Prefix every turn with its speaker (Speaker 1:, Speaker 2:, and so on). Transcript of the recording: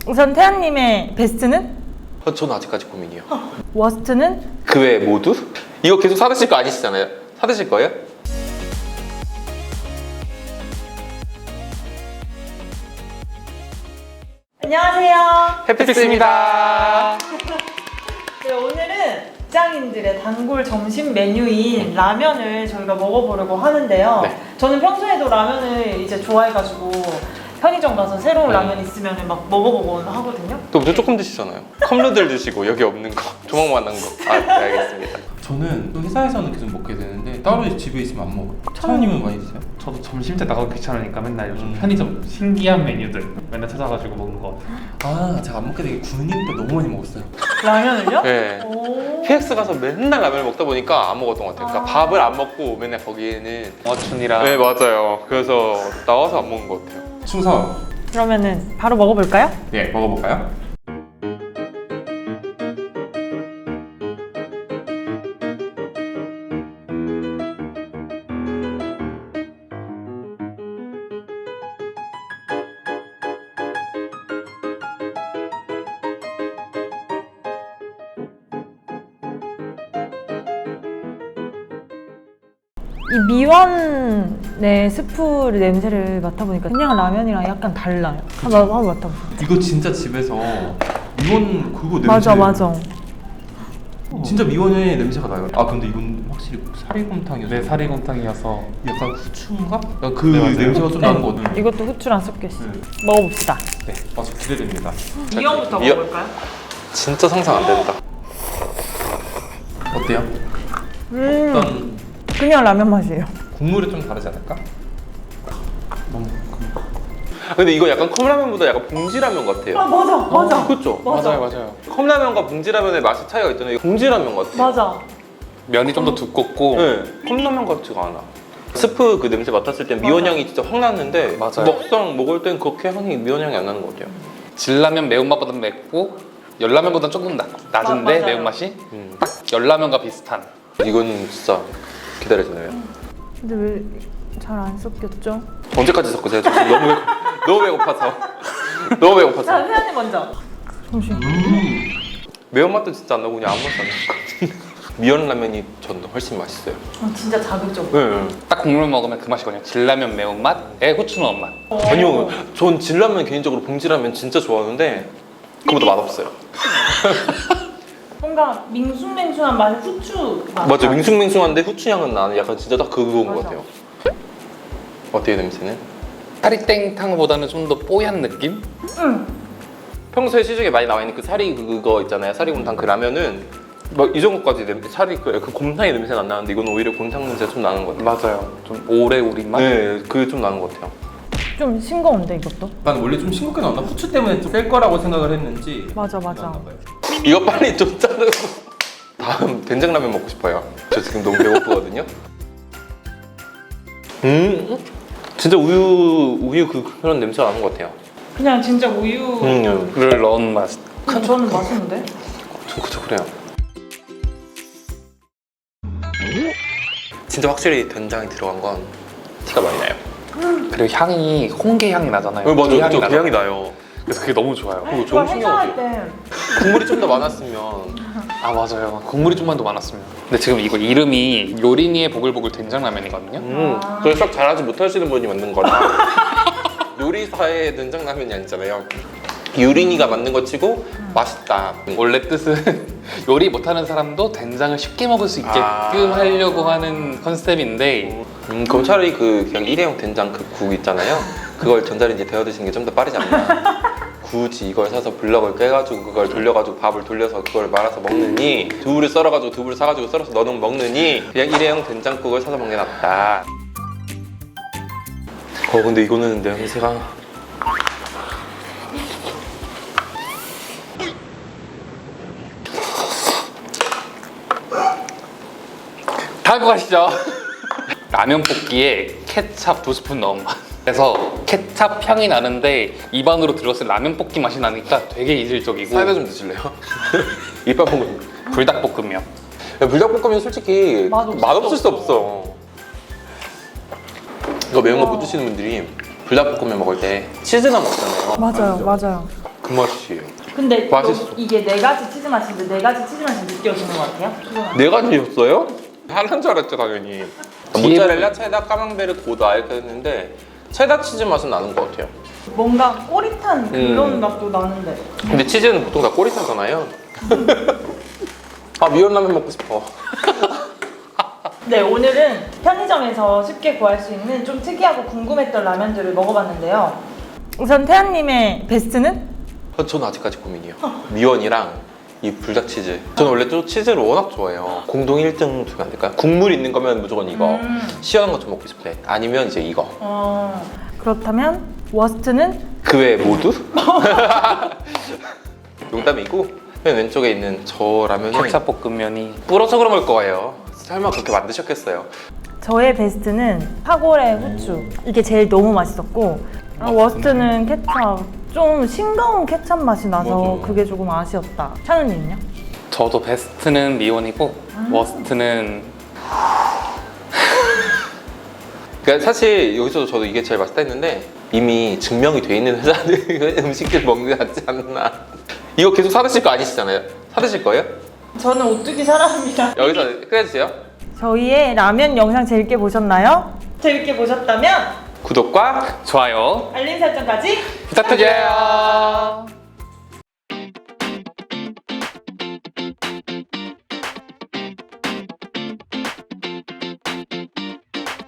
Speaker 1: 우선 태연님의 베스트는?
Speaker 2: 저는 아직까지 고민이요.
Speaker 1: 워스트는?
Speaker 2: 그 외에 모두? 이거 계속 사드실 거 아니시잖아요? 사드실 거예요?
Speaker 1: 안녕하세요.
Speaker 2: 해피스입니다.
Speaker 1: 네, 오늘은 직장인들의 단골 점심 메뉴인 라면을 저희가 먹어보려고 하는데요.
Speaker 2: 네.
Speaker 1: 저는 평소에도 라면을 이제 좋아해가지고 편의점 가서 새로운 라면 있으면 막 먹어보곤 하거든요.
Speaker 2: 또 엄청 조금 드시잖아요. 컵누들 드시고 여기 없는 거, 조망만한 거. 아, 네, 알겠습니다.
Speaker 3: 저는 또 회사에서는 계속 먹게 되는데 따로 집에 있으면 안 먹어요. 차원님은 많이 드세요?
Speaker 4: 저도 점심 때 나가기 귀찮으니까 맨날 요즘 편의점 신기한 메뉴들 맨날 찾아가지고 먹는 것 같아요.
Speaker 3: 아, 제가 안 먹게 되게 군인 때 너무 많이 먹었어요.
Speaker 1: 라면을요?
Speaker 2: 네.
Speaker 1: 오.
Speaker 2: PX 가서 맨날 라면을 먹다 보니까 안 먹었던 것 같아요. 그러니까
Speaker 1: 아.
Speaker 2: 밥을 안 먹고 맨날 거기에는.
Speaker 4: 어춘이랑
Speaker 2: 네, 맞아요. 그래서 나와서 안 먹는 것 같아요.
Speaker 3: 충성.
Speaker 1: 그러면은 바로 먹어볼까요?
Speaker 3: 네, 먹어볼까요?
Speaker 1: 이 미원의 스프 냄새를 맡아보니까 그냥 라면이랑 약간 달라요. 한번 맡아보세요.
Speaker 3: 이거 진짜 집에서 미원 그거 냄새.
Speaker 1: 맞아.
Speaker 3: 진짜 미원의 냄새가 나요. 아 근데 이건 확실히 사리곰탕이어서.
Speaker 4: 네, 사리곰탕이어서
Speaker 3: 약간 후추인가? 약간 그
Speaker 4: 네, 맞아요.
Speaker 3: 냄새가 좀 나는 거 같아요.
Speaker 1: 이것도 후추랑 섞여 있어요.
Speaker 3: 네.
Speaker 1: 먹어봅시다.
Speaker 3: 네, 아주 기대됩니다.
Speaker 1: 미원부터
Speaker 2: 미원.
Speaker 1: 먹어볼까요?
Speaker 2: 진짜 상상 안 된다.
Speaker 3: 어때요? 일단
Speaker 1: 그냥 라면 맛이에요.
Speaker 3: 국물이 좀 다르지 않을까?
Speaker 4: 너무
Speaker 2: 근데 이거 약간 컵라면보다 약간 봉지라면 같아요.
Speaker 1: 아 맞아.
Speaker 2: 그렇죠?
Speaker 1: 맞아.
Speaker 4: 맞아요.
Speaker 2: 컵라면과 봉지라면의 맛이 차이가 있잖아요. 봉지라면 같아요.
Speaker 1: 맞아.
Speaker 4: 면이 좀 더 두껍고
Speaker 2: 네, 컵라면 같지가 않아. 스프 그 냄새 맡았을 땐 미원 향이 진짜 확 났는데
Speaker 4: 맞아요.
Speaker 2: 먹상 먹을 땐 그렇게 향이 미원 향이 안 나는 것 같아요.
Speaker 4: 진라면 매운맛보다 맵고 열라면보다 조금 낮은데
Speaker 1: 맞아요.
Speaker 4: 매운맛이 딱 열라면과 비슷한.
Speaker 2: 이건 진짜 기다려지네요.
Speaker 1: 근데 왜 잘 안 섞였죠?
Speaker 2: 언제까지 섞으세요? 저 지금 너무 배고파서. 너무 배고파서.
Speaker 1: 자, 태연님 먼저. 잠시.
Speaker 2: 매운맛도 진짜 안 나고 그냥 아무 맛도 안 나는 것 같은데. 미원 라면이 전 훨씬 맛있어요.
Speaker 1: 진짜 자극적.
Speaker 2: 네.
Speaker 4: 딱 국물 먹으면 그 맛이거든요. 진라면 매운맛에 후추 넣은 맛.
Speaker 2: 아니요, 전 진라면 개인적으로 봉지라면 진짜 좋아하는데 그거보다 맛없어요.
Speaker 1: 뭔가 밍숭맹숭한 맛의 후추 맛.
Speaker 2: 맞아, 밍숭맹숭한데 후추 향은 나는 약간 진짜 딱 그거인 것
Speaker 1: 맞아.
Speaker 2: 같아요. 어때요, 냄새는?
Speaker 4: 사리땡탕보다는 좀 더 뽀얀 느낌?
Speaker 1: 응.
Speaker 2: 평소에 시중에 많이 나와 있는 그 사리 그거 있잖아요. 사리곰탕 그 라면은 막 이 정도까지 사리 그 곰탕의 냄새는 안 나는데 이건 오히려 곰탕 냄새가 좀 나는 것 같아요.
Speaker 4: 맞아요. 좀 오래 우린 맛?
Speaker 2: 네, 그게 좀 나는 것 같아요.
Speaker 1: 좀 싱거운데 이것도?
Speaker 3: 난 원래 좀 싱겁게 나왔나? 후추 때문에 좀 셀 거라고 생각을 했는지.
Speaker 1: 맞아.
Speaker 3: 나왔나 봐요.
Speaker 2: 이거 빨리 좀 자르고 다음 된장라면 먹고 싶어요. 저 지금 너무 배고프거든요. 진짜 우유 그런 냄새가 나는 것 같아요.
Speaker 1: 그냥 진짜 우유.
Speaker 4: 를 넣은 맛.
Speaker 1: 저는 맛있는데?
Speaker 2: 그쵸, 그래요. 진짜 확실히 된장이 들어간 건 티가 많이 나요.
Speaker 4: 그리고 향이 홍게 향이 나잖아요.
Speaker 2: 맞아요,
Speaker 4: 게
Speaker 2: 그쵸, 그
Speaker 4: 나잖아요.
Speaker 2: 향이 나요.
Speaker 4: 그래서 그게 너무 좋아요.
Speaker 2: 그거
Speaker 1: 이거
Speaker 2: 좋은
Speaker 1: 회사할
Speaker 2: 신기하죠.
Speaker 1: 때
Speaker 2: 국물이 좀 더 많았으면
Speaker 4: 아 맞아요. 국물이 좀만 더 많았으면. 근데 지금 이거 이름이 요린이의 보글보글 된장라면이거든요.
Speaker 2: 그걸 싹 잘하지 못하시는 분이 만든 거라 요리사의 된장라면이 아니잖아요. 유린이가 만든 거 치고 맛있다.
Speaker 4: 원래 뜻은 요리 못하는 사람도 된장을 쉽게 먹을 수 있게끔 하려고 하는 컨셉인데
Speaker 2: 그럼 차라리 그냥 일회용 된장 그 국 있잖아요. 그걸 전자레인지에 데워 드시는 게 좀 더 빠르지 않나. 굳이 이걸 사서 블럭을 깨가지고 그걸 돌려가지고 밥을 돌려서 그걸 말아서 먹느니 두부를 썰어가지고 두부를 사가지고 썰어서 넣어 먹느니 그냥 일회용 된장국을 사서 먹는 게 낫다. 근데 이거는 냄새가
Speaker 4: 다음 거 가시죠. 라면 볶기에 케찹 2스푼 넣은 맛. 그래서 케찹 향이 나는데 입안으로 들었을 라면 볶기 맛이 나니까 되게 이질적이고.
Speaker 2: 사이다 좀 드실래요? 이빨 먹으면
Speaker 4: 불닭볶음면.
Speaker 2: 불닭볶음면 솔직히 맛없을 수 없어. 이거 매운 거 못 드시는 분들이 불닭볶음면 먹을 때 치즈나 먹잖아요.
Speaker 1: 맞아요.
Speaker 2: 그 맛이에요.
Speaker 1: 근데
Speaker 2: 맛있어.
Speaker 1: 이게 4가지 치즈 맛인데 4가지 치즈 맛이 느껴지는 것 같아요?
Speaker 2: 네 가지였어요? 하나인 줄 알았죠 당연히. 모짜렐라, 체다, 까망베르, 고다 이렇게 했는데 체다 치즈 맛은 나는 것 같아요.
Speaker 1: 뭔가 꼬릿한 그런 맛도 나는데.
Speaker 2: 근데 치즈는 보통 다 꼬리타잖아요. 아 미원라면 먹고 싶어.
Speaker 1: 네, 오늘은 편의점에서 쉽게 구할 수 있는 좀 특이하고 궁금했던 라면들을 먹어봤는데요. 우선 태연님의 베스트는?
Speaker 2: 저는 아직까지 고민이에요. 미원이랑 이 불닭치즈. 저는 원래 또 치즈를 워낙 좋아해요. 공동 1등 주면 안 될까요? 국물 있는 거면 무조건 이거. 시원한 거 좀 먹고 싶대. 아니면 이제 이거.
Speaker 1: 그렇다면 워스트는?
Speaker 2: 그 외 모두? 농담이고 맨 왼쪽에 있는 저 라면은
Speaker 4: 케찹 볶음면이
Speaker 2: 불어서 그런 걸 거예요. 설마 그렇게 만드셨겠어요?
Speaker 1: 저의 베스트는 파골의 후추. 이게 제일 너무 맛있었고 워스트는 케찹. 좀 싱거운 케찹 맛이 나서
Speaker 2: 맞아.
Speaker 1: 그게 조금 아쉬웠다. 찬우님은요?
Speaker 4: 저도 베스트는 미원이고 워스트는
Speaker 2: 그러니까 사실 여기서도 저도 이게 제일 맛있다 했는데 이미 증명이 돼 있는 회사들 음식들 먹는 게 낫지 않나. 이거 계속 사드실 거 아니시잖아요? 사드실 거예요?
Speaker 1: 저는 오뚜기 사랑합니다.
Speaker 2: 여기서 끝내주세요.
Speaker 1: 저희의 라면 영상 재밌게 보셨나요? 재밌게 보셨다면
Speaker 2: 구독과
Speaker 4: 좋아요
Speaker 1: 알림 설정까지
Speaker 4: 부탁드려요.